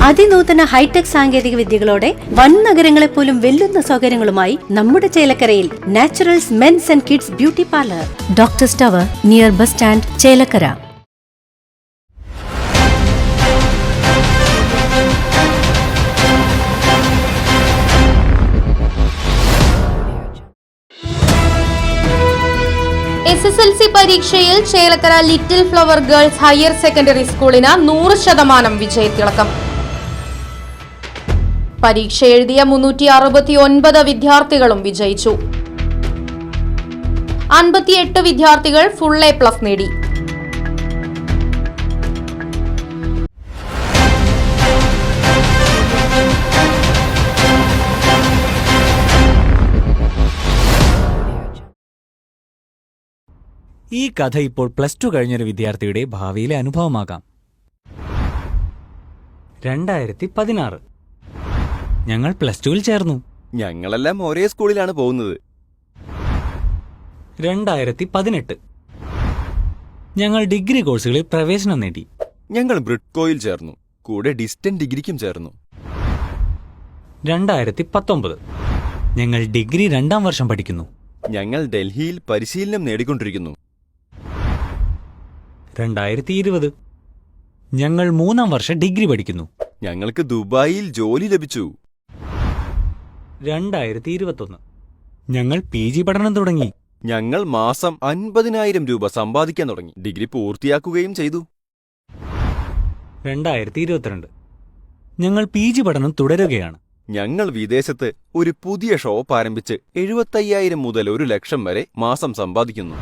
അതിനൂതന hi tech സാങ്കേതിക വിദ്യകളോടെ വൻ നഗരങ്ങളെ പോലും വെല്ലുന്ന സൗകര്യങ്ങളുമായി നമ്മുടെ ചേലക്കരയിൽ Naturals men's and kids beauty parlour, doctors tower, near bus stand, Chelakkara. SSLC പരീക്ഷയിൽ Chelakkara little flower girls higher secondary സ്കൂളിന് 100% വിജയത്തിളക്കം. പരീക്ഷ എഴുതിയ 369 വിദ്യാർത്ഥികളും വിജയിച്ചു. 58 വിദ്യാർത്ഥികൾ ഫുൾ A+ നേടി. ഈ കഥ ഇപ്പോൾ +2 കഴിഞ്ഞൊരു വിദ്യാർത്ഥിയുടെ ഭാവിയിലെ അനുഭവമാകാം. 2016 ഞങ്ങൾ +2-ൽ ചേർന്നു. ഞങ്ങളെല്ലാം ഒരേ സ്കൂളിലാണ് പോകുന്നത്. 2018 ഞങ്ങൾ ഡിഗ്രി കോഴ്സുകളിൽ പ്രവേശനം നേടി. ഞങ്ങൾ ബ്രിഡ്കോയിൽ ചേർന്നു, കൂടെ ഡിസ്റ്റന്റ് ഡിഗ്രിക്കും ചേർന്നു. 2019 ഞങ്ങൾ ഡിഗ്രി 2ാം വർഷം പഠിക്കുന്നു. ഞങ്ങൾ ഡൽഹിയിൽ പരിശീലനം നേടിക്കൊണ്ടിരിക്കുന്നു. 2020 ഞങ്ങൾ 3ാം വർഷം ഡിഗ്രി പഠിക്കുന്നു. ഞങ്ങൾക്ക് ദുബായിൽ ജോലി ലഭിച്ചു. 2021 ഞങ്ങൾ PG പഠനം തുടങ്ങി. ഞങ്ങൾ മാസം 50,000 രൂപ സമ്പാദിക്കാൻ തുടങ്ങി. ഡിഗ്രി പൂർത്തിയാക്കുകയും ചെയ്തു. 2022 ഞങ്ങൾ PG പഠനം തുടരുകയാണ്. ഞങ്ങൾ വിദേശത്ത് ഒരു പുതിയ ഷോപ്പ് ആരംഭിച്ച് 75,000 മുതൽ 1,00,000 വരെ മാസം സമ്പാദിക്കുന്നു.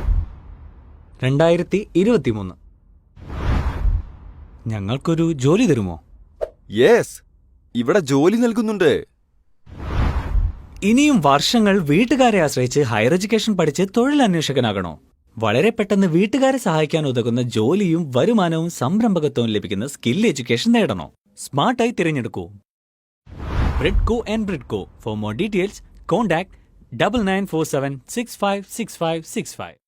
2023 ഞങ്ങൾക്കൊരു ജോലി തരുമോ? യെസ്, ഇവിടെ ജോലി നൽകുന്നുണ്ട്. ഇനിയും വർഷങ്ങൾ വീട്ടുകാരെ ആശ്രയിച്ച് ഹയർ എഡ്യൂക്കേഷൻ പഠിച്ച് തൊഴിലന്വേഷകനാകണോ? വളരെ പെട്ടെന്ന് വീട്ടുകാരെ സഹായിക്കാൻ ഉതകുന്ന ജോലിയും വരുമാനവും സംരംഭകത്വവും ലഭിക്കുന്ന സ്കിൽ എഡ്യൂക്കേഷൻ നേടണോ? സ്മാർട്ടായി തിരഞ്ഞെടുക്കൂ Bridco and Bridco. For more details contact 9947656565.